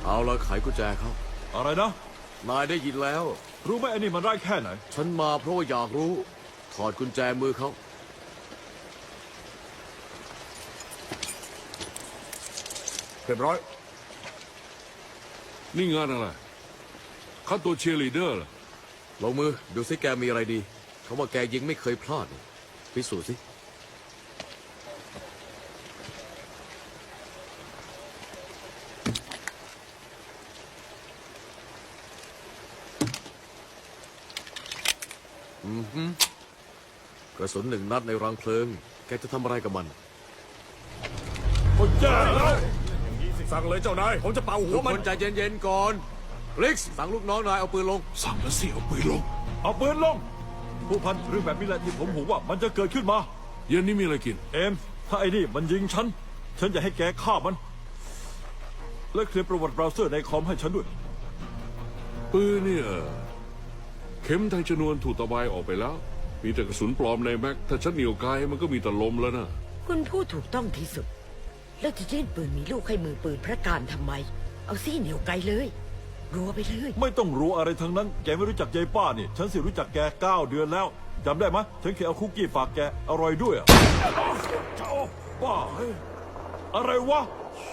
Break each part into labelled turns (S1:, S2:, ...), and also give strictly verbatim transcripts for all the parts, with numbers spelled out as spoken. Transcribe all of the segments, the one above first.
S1: เอาละไขกุญแจเขา
S2: อะไรนะ
S1: นายได้ยินแล้ว
S2: รู้ไหมไอ้นี่มันร้ายแค่ไหน
S1: ฉันมาเพราะว่าอยากรู้ถอดกุญแจมือเขา
S3: เรียบร้อย
S4: นี่งานอะไรคัดตัวเชียร์ลีดเดอร์เหรอ
S1: ลงมือดูสิแกมีอะไรดีเขาว่าแกยิงไม่เคยพลาดพิสูจน์สิอือฮึกระสุนหนึ่งนัดในรังเพลิงแกจะทำอะไรกับมัน
S3: โอ้ยแย่แล้วสั่งเลยเจ้านายผมจะเป่าหัวมัน
S1: คนใจเย็นๆก่อนลิกซ์สั่งลูกน้องนายเอาปืนลง
S4: สั่งแล้วสิเอาปืนลง
S2: เอาปืนลงผู้พันเรื่องแบบนี้แหละที่ผมหูว่ามันจะเกิดขึ้นมา
S4: เย็นนี้มีอะไรกิน
S2: เอ็มถ้าไอ้นี่มันยิงฉันฉันจะให้แกฆ่ามันและเคลียร์ประวัติเบราว์เซอร์ในคอมให้ฉันด้วย
S4: ปืนเนี่ยเข็มทางชนวนถูกตะไบออกไปแล้วมีแต่กระสุนปลอมในแม็กถ้าฉันเหนียวไกลมันก็มีแต่ลมแล้วนะ
S5: คุณพูดถูกต้องที่สุดแล้วจะยื่นปืนมีลูกให้มือปืนพระการทำไมเอาซี่เหนียวไกลเลยรัวไปเลย
S2: ไม่ต้องรู้อะไรทั้งนั้นแกไม่รู้จักยายป้านี่ฉันสิรู้จักแกเก้าเดือนแล้วจำได้ไหมฉันเคยเอาคุกกี้ฝากแกอร่อยด้วยอ่ะเจ้าป้าอะไรวะ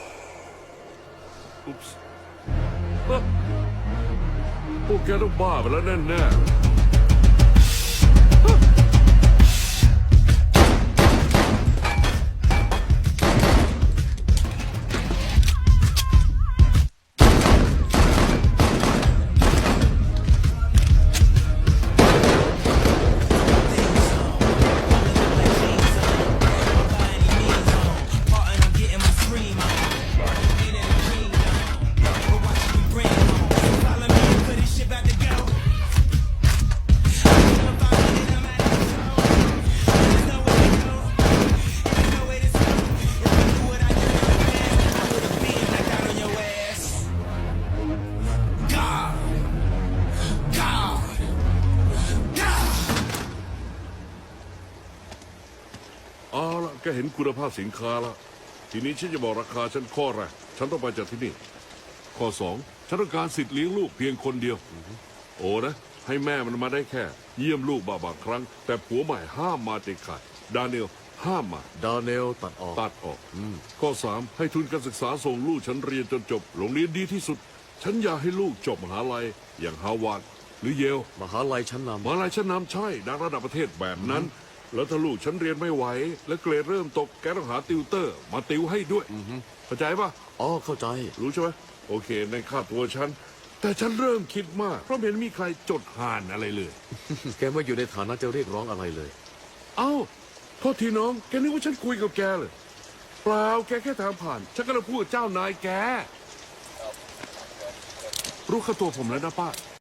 S4: อุ๊บส์พวกแกต้องบ้าไปแล้วแน่ๆเอาละแกเห็นคุณภาพสินค้าแล้วทีนี้ฉันจะบอกราคาฉันข้อแรกฉันต้องไปจากที่นี่ข้อสองฉันต้องการสิทธิ์เลี้ยงลูกเพียงคนเดียวโอ้นะให้แม่มันมาได้แค่เยี่ยมลูกบางบางครั้งแต่ผัวใหม่ห้ามมาเด็ดขาดดานิเอลห้ามมา
S1: ดานิเอลตัดออก
S4: ตัดออกข้อสามให้ทุนการศึกษาส่งลูกฉันเรียนจนจบโรงเรียนดีที่สุดฉันอยากให้ลูกจบมหาลัยอย่างฮาร์วาร์ดหรือเยล
S1: มหาลัยชั้นนำ
S4: มหาลัยชั้นนำใช่ดังระดับประเทศแบบนั้นแล้วถ้าลูกฉันเรียนไม่ไหวและเกรดเริ่มตกแกต้องหาติวเตอร์มาติวให้ด้วยเข้าใจปะ
S1: อ๋อเข้าใจ
S4: รู้ใช่ไหมโอเคในค่าตัวฉันแต่ฉันเริ่มคิดมากเพราะเห็นมีใครจดห่านอะไรเลย
S1: แกไม่อยู่ในฐานะจะเรียกร้องอะไรเลย
S4: เอ้าโทษทีน้องแกนึกว่าฉันคุยกับแกเลยเปล่าแกแค่ทางผ่านฉันก็เลยพูดเจ้านายแกรู้ค่าตัวผมแล้วนะป้า